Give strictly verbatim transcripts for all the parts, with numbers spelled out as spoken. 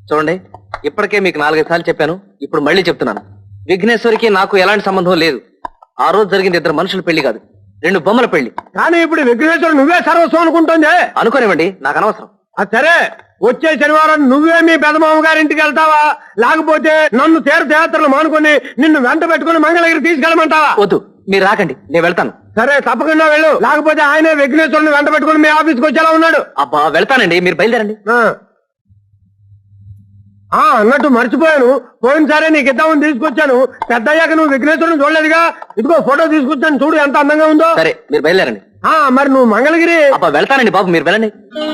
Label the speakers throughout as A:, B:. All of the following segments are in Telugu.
A: చూడండి, ఇప్పటికే మీకు నాలుగైదు సార్లు చెప్పాను, ఇప్పుడు మళ్ళీ చెప్తున్నాను. విఘ్నేశ్వరికి నాకు ఎలాంటి సంబంధం లేదు. ఆ రోజు జరిగింది ఇద్దరు మనుషుల పెళ్లి కాదు, రెండు బొమ్మల పెళ్లి.
B: కానీ ఇప్పుడు విఘ్నేశ్వరుడు నువ్వే సర్వస్వం అనుకుంటుంది.
A: అనుకోనివ్వండి, నాకు అనవసరం.
B: అది సరే, వచ్చే శనివారం నువ్వే మీ పెదమామ గారింటికి వెళ్తావా, లేకపోతే నన్ను తీర్థయాత్రలు మానుకొని నిన్ను వెంట పెట్టుకుని మంగళగిరి తీసుకెళ్ళమంటావా?
A: వద్దు, మీరు రాకండి, నేను వెళ్తాను.
B: సరే, తప్పకుండా వెళ్ళు. లేకపోతే ఆయనే విఘ్నేశ్వరుని వెంట పెట్టుకుని మీ ఆఫీస్కి వచ్చేలా ఉన్నాడు.
A: అబ్బా వెళ్తానండి, మీరు బయలుదేరండి.
B: ఆ అన్నట్టు మర్చిపోయాను, పోయినసారే నీకు ఇద్దామని తీసుకొచ్చాను. పెద్ద అయ్యాక నువ్వు విఘ్నేశ్వరుని చూడలేదుగా, ఇదిగో ఫోటో తీసుకొచ్చాను, చూడు ఎంత అందంగా ఉందో.
A: సరే, మీరు బయలుదేరండి.
B: ఆ మరి నువ్వు మంగళగిరి.
A: అబ్బా వెళ్తానండి బాబు, మీరు వెళ్ళండి.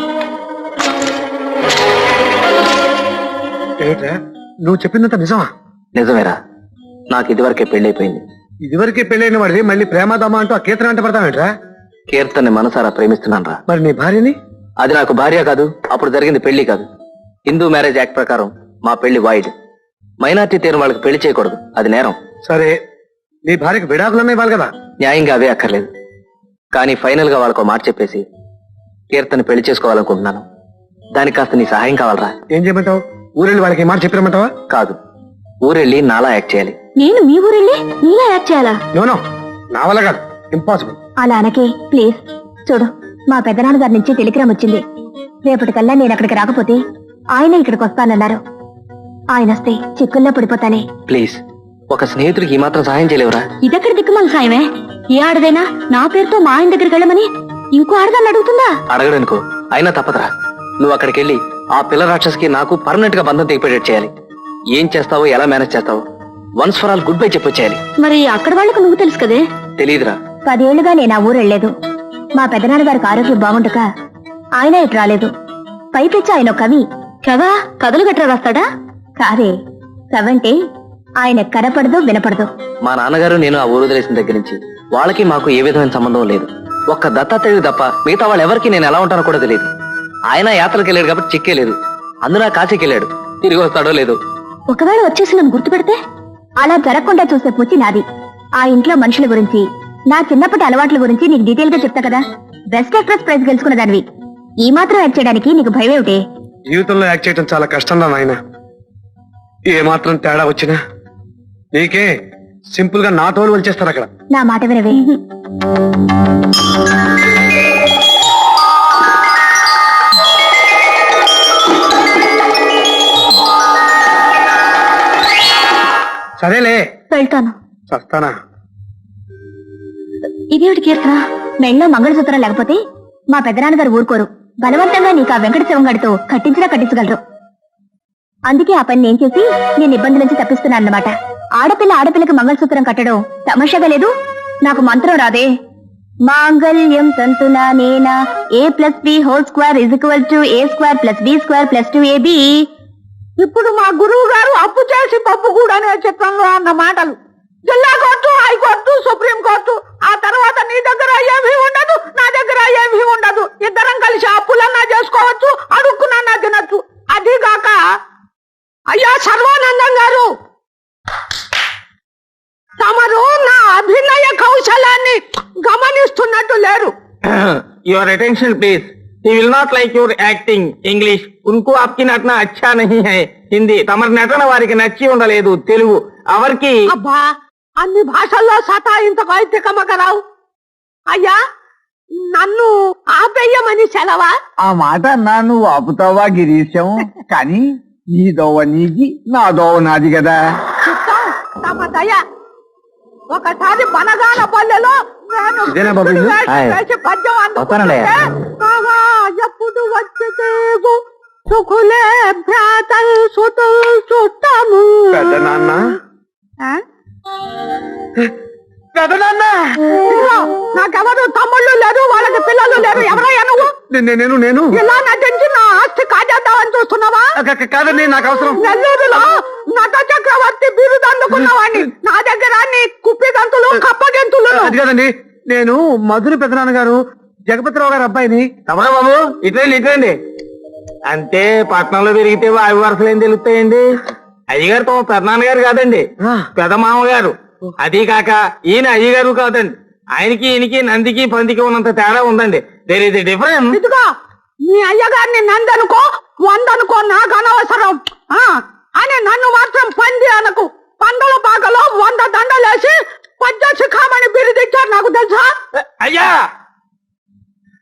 B: ఏట్రా, నువ్వు చెప్పిందంత నిజమా?
A: నిజమేరా, నాకు ఇదివరకే పెళ్లి
B: ఇదివరకే పెళ్ళైన వాడివి మళ్ళీ ప్రేమదమా అంటూ ఆ కీర్తన అంటే పడతావేంట్రా?
A: కీర్తన్ని మనసారా ప్రేమిస్తున్నాను రా.
B: మరి నీ భార్యని?
A: అది నాకు భార్య కాదు, అప్పుడు జరిగింది పెళ్లి కాదు. హిందూ మ్యారేజ్ యాక్ట్ ప్రకారం మా పెళ్లి వాయిడ్. మైనార్టీ తీరు వాళ్ళకి పెళ్లి చేయకూడదు, అది నేరం.
B: సరే, నీ భార్యకి విడాకులన్నా ఇవ్వాలి కదా.
A: న్యాయంగా అవే అక్కర్లేదు, కానీ ఫైనల్ గా వాళ్ళకు మాట చెప్పేసి కీర్తని పెళ్లి చేసుకోవాలనుకుంటున్నాను. దానికి కాస్త నీ సహాయం కావాలరా.
B: ఏం చేయమంటావు? ఊరెళ్ళి వాళ్ళకి మాట చెప్పిరమంటావా?
A: కాదు, ఊరెళ్ళి నాలా యాక్ట్ చేయాలి.
C: నేను మీ ఊరెళ్ళి నీలా యాక్ట్ చేయాలా?
B: నోనో, నా వల్ల కాదు, ఇంపాసిబుల్.
C: అలా అనకే ప్లీజ్. చూడు, మా పెద్దనాన్న గారి నుంచి టెలిగ్రామ్ వచ్చింది. రేపటికల్లా నేను అక్కడికి రాకపోతే ఆయన ఇక్కడికి వస్తానన్నారు. ఆయన వస్తే చిక్కుల్లో పడిపోతానే.
A: ప్లీజ్, ఒక స్నేహితుడికి ఈ మాత్రం సహాయం చేయలేవురా?
C: ఇదెక్కడ దిక్కుమాల సాయమే? ఏ ఆడదైనా నా పేరుతో మా ఆయన దగ్గరికి వెళ్ళమని ఇంకో ఆడదాన్ని అడుగుతుందా?
A: అడగడనుకో, అయినా తప్పదురా. నువ్వు అక్కడికి వెళ్ళి ఆ పిల్ల రాక్షసికి నాకు పర్మనెంట్ గా బంధం తెగిపోయేట్ చేయాలి. ఏం చేస్తావో, ఎలా మేనేజ్ చేస్తావో once for all goodbye చెప్పొచ్చేయాలి.
C: మరి అక్కడ వాళ్ళకు నువ్వు తెలుసు కదే.
A: తెలీదురా.
C: పదేళ్లుగా నేను ఆ ఊరు వెళ్లేదు. మా పెద్దనాన్న గారికి ఆరోగ్యం బాగుండక ఆయన ఇటు రాలేదు. పైపెచ్చి ఆయన కవి. కవా కథలు గట్రా రాస్తాడా? కాదే, కవంటే ఆయన కనపడదు వినపడదు.
A: మా నాన్నగారు నేను ఆ ఊరు వదిలేసిన దగ్గర నుంచి వాళ్ళకి మాకు ఏ విధమైన సంబంధం లేదు. ఒక్క దత్తాత్రేయుడు తప్ప మిగతా వాళ్ళు ఎవరికి నేను ఎలా ఉంటానో కూడా తెలియదు. ఆయన యాత్రకి వెళ్ళాడు కాబట్టి చిక్కే లేదు. అందున కాశీకి వెళ్ళాడు, తిరిగి వస్తాడో లేదో.
C: ఒకవేళ వచ్చేసి నన్ను గుర్తుపెడితే? అలా జరగకుండా చూసే పూచి నాది. ఆ ఇంట్లో మనుషుల గురించి, నా చిన్నప్పటి అలవాట్ల గురించి నీకు డీటెయిల్ గా చెప్తా కదా. బెస్ట్ యాక్ట్రెస్ ప్రైజ్ గెలుచుకున్న దానివి. ఈ మాత్రం యాక్ట్ చేయడానికి నీకు భయం ఏమిటి?
B: జీవితంలో యాక్ట్ చేయడం చాలా కష్టం రా నాయన. ఏ మాత్రం తేడా వచ్చినా నీకే సింపుల్ గా నా తోలు వచ్చేస్తారు అక్కడ.
C: నా మాట వినవే.
B: సరేలే,
C: వెళ్తాను.
B: చస్తానా?
C: ఇదేమిటి కీర్తన? మెళ్ళో మంగళసూత్రం లేకపోతే మా పెద్దనాన్నగారు ఊరుకోరు. బలవంతంగా నీకు ఆ వెంకట శివంగడితో కట్టించినా కట్టించగలరు. అందుకే ఆ పని నేను చేసి నేను ఇబ్బంది నుంచి తప్పిస్తున్నానన్నమాట. ఆడపిల్ల ఆడపిల్లకి మంగళసూత్రం కట్టడం తమాషాగా లేదు. నాకు మంత్రం రాదే. మాంగళ్యం తంతునా నేనా A plus B whole square is equal to A square plus B square plus two AB.
D: ఇప్పుడు మా గురువు గారు అప్పు చేసి పప్పు కూడా అనే చిత్రంలో అన్న మాటలు జిల్లా కోర్టు, హైకోర్టు, సుప్రీం కోర్టు, ఆ తర్వాత నీ దగ్గర ఏమీ ఉండదు, నా దగ్గర ఏమీ ఉండదు. ఇద్దరం కలిసి అప్పులన్నా చేసుకోవచ్చు, అడుక్కునన్నా తినచ్చు. అదిగాక అయ్యా సర్వానందం గారు, తమరు నా అభినయ కౌశలాన్ని గమనిస్తున్నట్టు లేరు.
E: Your attention please. He will not like your acting English. उनको आपकी नटना अच्छा नहीं है. హిందీ తమరి నటన వారికి నచ్చి ఉండలేదు. తెలుగు ఎవరికి?
D: అబ్బా, అన్ని భాషల్లో సతాయింతకు అయితే కమకరావు. అయ్యా, నన్ను ఆపేయమని సెలవా?
F: ఆ మాట అన్నా నువ్వు ఆపుతావా గిరీశం? కానీ నీ దోవ నీది, నా దోవ నాది కదా.
D: చిత్తం తమ దయ. ఒకసారి బనగాన పల్లెలో నేను
B: ఇదేనా బాబు ఇల్లు?
A: హాయ్.
D: వేసి పద్యం
A: వస్తానండి.
D: అందుకుంటే, ఆహా, ఎప్పుడు వచ్చేసేగు సుఖులే భ్రాతల్ సుతుల్ చుట్టము.
B: పెద్ద నాన్న,
D: ఆ?
B: పెద్ద నాన్న,
D: ఇదిగో, నాకెవరు తమ్ముళ్ళు లేరు, వాళ్ళకి పిల్లలు లేరు. ఎవరయ్యా నువ్వు?
B: నే- నేను నేను
D: ఇలా నటించి నా ఆస్తి కాజేద్దామని చూస్తున్నావా?
B: క- క- కాదండి, నాకు అవసరం.
D: నెల్లూరులో నట చక్రవర్తి బిరుదు అందుకున్నవాడిని. నా దగ్గర నీ కుప్పి గంతులు, కప్ప గంతులు.
B: అది కాదండి, నేను మధురి పెద్దనాన్న గారు జగపతిరావు గారు అబ్బాయిని.
E: తమరా బాబు, ఇట్లండి ఇట్లండి. అంటే పట్నంలో పెరిగితే వాయు వరుసలు ఏం తెలుస్తాయండి? అయ్యగారు తమ పెద్దనాన్నగారు కాదండి,
B: ఆ.
E: పెద్ద మామగారు. అది కాక ఈయన అయ్యగారు కాదండి. ఆయనకి ఈయనకి నందికి పందికి ఉన్నంత తేడా ఉందండి. There is a difference.
D: ఇదిగో, నీ అయ్యగారిని నందనుకో వందనుకో, నాకు అనవసరం.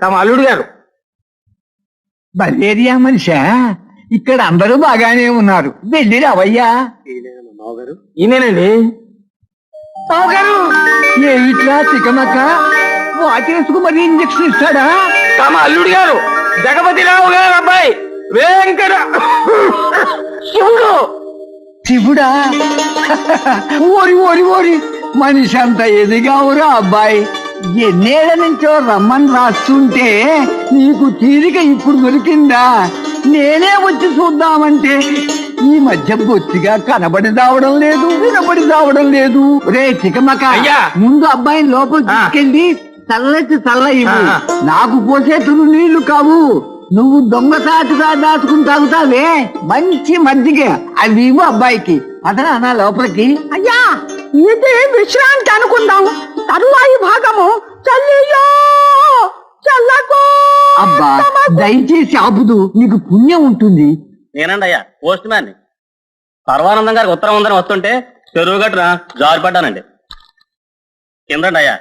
E: తమ అల్లుడు గారు.
F: బలేరియా మనిషా, ఇక్కడ అందరూ బాగానే ఉన్నారు, వెళ్ళి రావయ్యా.
E: ఈయనేనండి
F: బావగారు, ఏమిట్లా తికమక వాటేసుకు మరి ఇంజక్షన్ ఇస్తాడా?
E: తమ అల్లుడు గారు జగపతి రావు గారు అబ్బాయి వెంకట శివుడు.
F: శివుడా? ఓరి ఓరి ఓరి, మనిషి అంత ఎదిగావురా అబ్బాయి. ఎన్నేళ్ల నుంచో రమ్మని రాస్తుంటే నీకు తీరిక ఇప్పుడు దొరికిందా? నేనే వచ్చి చూద్దామంటే ఈ మధ్య బొత్తిగా కనబడి రావడం లేదు, వినబడి రావడం లేదు. రే చికమక,
E: అయ్యా.
F: ముందు అబ్బాయిని లోపల తీసుకెళ్ళి చల్లటి చల్ల ఇవ్వు.
E: ఆ.
F: నాకు పోసేతులు నీళ్లు కావు, నువ్వు దొంగసాటుగా దాచుకుని తాగుతావే మంచి మజ్జిగ, అవి ఇవ్వు అబ్బాయికి. అతను అన్నా లోపలికి.
D: అయ్యా, ఇది విశ్రాంతి అనుకుందాం. తరువాయి భాగము చల్లియో చల్లకు.
F: అబ్బా దయచేసి ఆపుదు, నీకు పుణ్యం ఉంటుంది.
G: నేనండి అయ్యా పోస్ట్ మ్యాన్. పర్వానందం గారికి ఉత్తరం ఉందని వస్తుంటే చెరువు గట్టున జారి పడ్డానండి. కిందండి అయ్యా.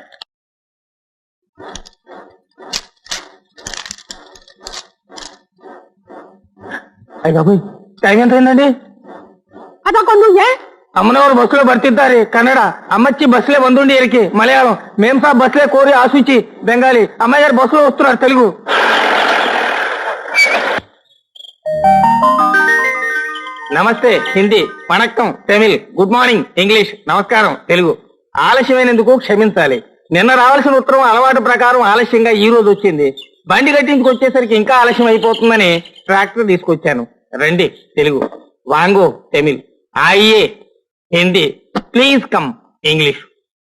E: అయ్య బాబోయ్, టైం ఎంత అయిందండి?
D: ಅದಕ್ಕೊಂದು ಏ
E: ಅಮ್ಮನವರು ಬಸ್సులో ಬರ್ತಿದ್ದಾರೆ. ಕನ್ನಡ అమ్మచ్చి బస్సులే ಬಂದುಂಡಿ ఇరికి మలయాళం మేం సాబ్ బస్సులే కోరి ఆసూచి బెంగాలీ. అమ్మాయి గారు బస్సులో వస్తున్నారు Telugu. Namaste Hindi, vanakkam Tamil, good morning English, నమస్కారం తెలుగు. ఆలస్యమైనందుకు క్షమించాలి. నిన్న రావాల్సిన ఉత్తరం అలవాటు ప్రకారం ఆలస్యంగా ఈ రోజు వచ్చింది. బండి కట్టించుకు వచ్చేసరికి ఇంకా ఆలస్యం అయిపోతుందని ట్రాక్టర్ తీసుకొచ్చాను. రండి తెలుగు, వాంగో తమిళ్, ఆయియే హిందీ, ప్లీజ్ కమ్ ఇంగ్లీష్.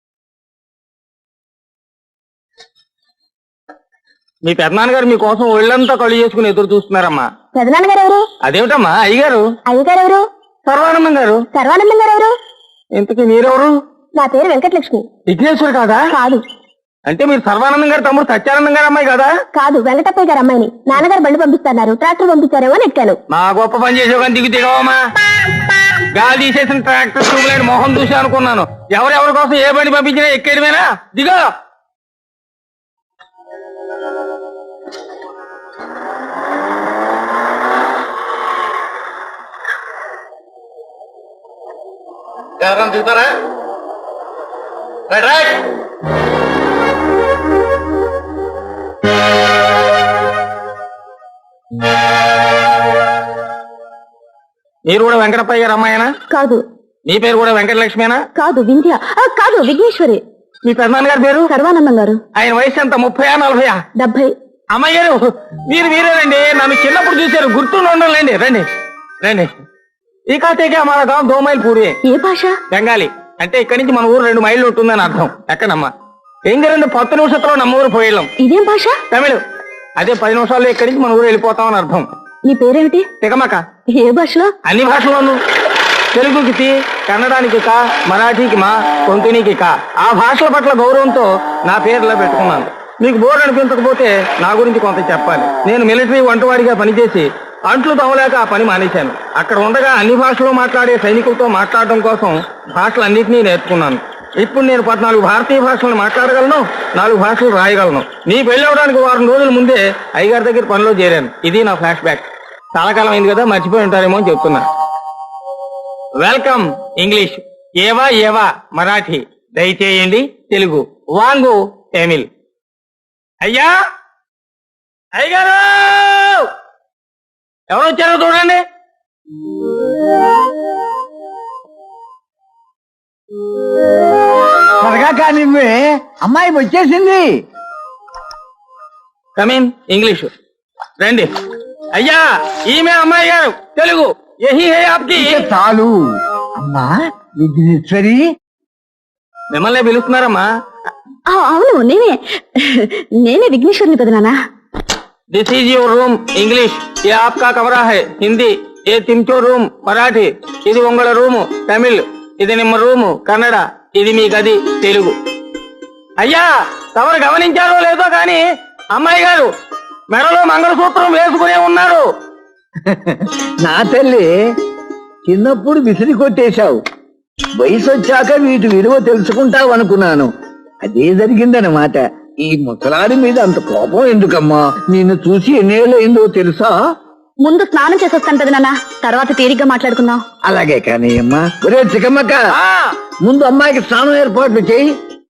E: మీ పెద్దనాన్నగారు మీకోసం ఒళ్ళంతా కళ్ళు చేసుకుని ఎదురు చూస్తున్నారమ్మా.
C: పెదనాన్నగారు ఎవరు?
E: అదేమిటమ్మా అయ్యగారు?
C: అయ్యగారు ఎవరు?
E: సర్వానందం గారు.
C: సర్వానందం గారు ఎవరు?
E: ఇంతకీ మీరెవరు?
C: నా పేరు వెంకటలక్ష్మి.
E: విఘ్నేశ్వర్ కాదా?
C: కాదు.
E: అంటే మీరు సర్వానందం గారు తమ్ముడు సత్యానందం గారు అమ్మాయి కదా?
C: కాదు, వెంకటప్పయ్య గారు అమ్మాయిని. నాన్నగారు బండి పంపిస్తున్నారు, ట్రాక్టర్ పంపించారేమో అని ఎక్కాను.
E: మా గొప్ప పని చేసే కానీ దిగు దిగవమ్మా. గాలి తీసేసిన ట్రాక్టర్ ట్యూబ్లైట్ మొహం చూసి అనుకున్నాను. ఎవరెవరి కోసం ఏ బండి పంపించినా ఎక్కేయడమేనా? దిగో.
G: ఎవరైనా దిగుతారా? Right right.
E: మీరు కూడా వెంకటప్పయ్య గారు అమ్మాయినా?
C: కాదు.
E: మీ పేరు కూడా వెంకటలక్ష్మేనా?
C: కాదు, వింధ్య. ఆ, కాదు, విఘ్నేశ్వరి.
E: మీ పెద్దనాన్న గారి పేరు?
C: సర్వానందం గారు.
E: ఆయన వయసు ఎంత? ముప్పయా నలభయా?
C: డెబ్బై.
E: అమ్మాయి గారు మీరు మీరేనండి. నన్ను చిన్నప్పుడు చూశారు, గుర్తుండి ఉండాలండి. రండి రండి. ఈ కాతేకే మన గాం దో మైల్ పూరి.
C: ఏ భాష?
E: బెంగాలీ. అంటే ఇక్కడి నుంచి మన ఊరు రెండు మైళ్ళు ఉంటుందని అర్థం. ఎక్కడమ్మా? ఎంగరండి పత్తు నిమిషంలో నమ్మ ఊరు పోయేళ్ళం.
C: ఇదేం భాష?
E: తమిళ్. అదే పది నిమిషాల్లో ఇక్కడి నుంచి మన ఊరు వెళ్ళిపోతామని అర్థం.
C: నీ పేరేమిటి?
E: తికమక.
C: ఏ భాషలో?
E: అన్ని భాషల్లోనూ. తెలుగుకి తి, కన్నడానికి కా, మరాఠీకి మా, కొంకణికి కా. ఆ భాషల పట్ల గౌరవంతో నా పేరులా పెట్టుకున్నాను. మీకు బోర్ అనిపించకపోతే నా గురించి కొంత చెప్పాలి. నేను మిలిటరీ వంటవాడిగా పనిచేసి అంట్లు తవ్వలేక ఆ పని మానేశాను. అక్కడ ఉండగా అన్ని భాషలు మాట్లాడే సైనికులతో మాట్లాడడం కోసం భాషలన్నింటినీ నేర్చుకున్నాను. ఇప్పుడు నేను పద్నాలుగు భారతీయ భాషలను మాట్లాడగలను, నాలుగు భాషలు రాయగలను. నీ పెళ్లి అవడానికి వారం రోజుల ముందే అయ్యగారి దగ్గర పనిలో చేరాను. ఇది నా ఫ్లాష్ బ్యాక్. చాలా కాలం అయింది కదా, మర్చిపోయి ఉంటారేమో అని చెప్తున్నా. వెల్కమ్ ఇంగ్లీష్, ఏవా ఏవా మరాఠీ, దయచేయండి తెలుగు, వాంగు తమిళ్. అయ్యా అయ్యగారు ఎవరు వచ్చారో చూడండి.
F: త్వరగా కానివ్వే, అమ్మాయి వచ్చేసింది.
E: Come in English. రండి. అయ్యా ఈమె అమ్మాయి గారు తెలుగు. యహీ హై ఆప్కి.
F: ఇక చాలు అమ్మా. విఘ్నేశ్వరి
E: మిమ్మల్ని పిలుస్తున్నారమ్మా.
C: ఆ, అవును, నేనే నేనే విఘ్నేశ్వరిని పెదనానా.
E: This is your room English, ये आपका कमरा है हिंदी, ये तिमचो रूम मराठी, ఇది ఉంగళ రూము తమిళ్, ఇది నిమ్మ రూము కన్నడ, ఇది మీ గది తెలుగు. అయ్యా తమరు గమనించారో లేదో కానీ అమ్మాయి గారు మెడలో మంగళసూత్రం వేసుకునే ఉన్నారు.
F: నా తల్లి, చిన్నప్పుడు విసిరి కొట్టేశావు, వయసు వచ్చాక వీటి విలువ తెలుసుకుంటావు అనుకున్నాను. అదే జరిగిందన్నమాట. ఈ ముసలాడి మీద అంత కోపం ఎందుకమ్మా? నిన్ను చూసి ఎన్నేళ్ళయిందో తెలుసా?
C: ముందు స్నానం చేసి వస్తాను కదా నాన్న, తర్వాత తీరిగ్గా మాట్లాడుకుందాం.
F: అలాగే కానీ అమ్మా. ఒరే చిక్కమ్మక్క, ముందు అమ్మాయికి స్నానం ఏర్పాట్లు చేయి.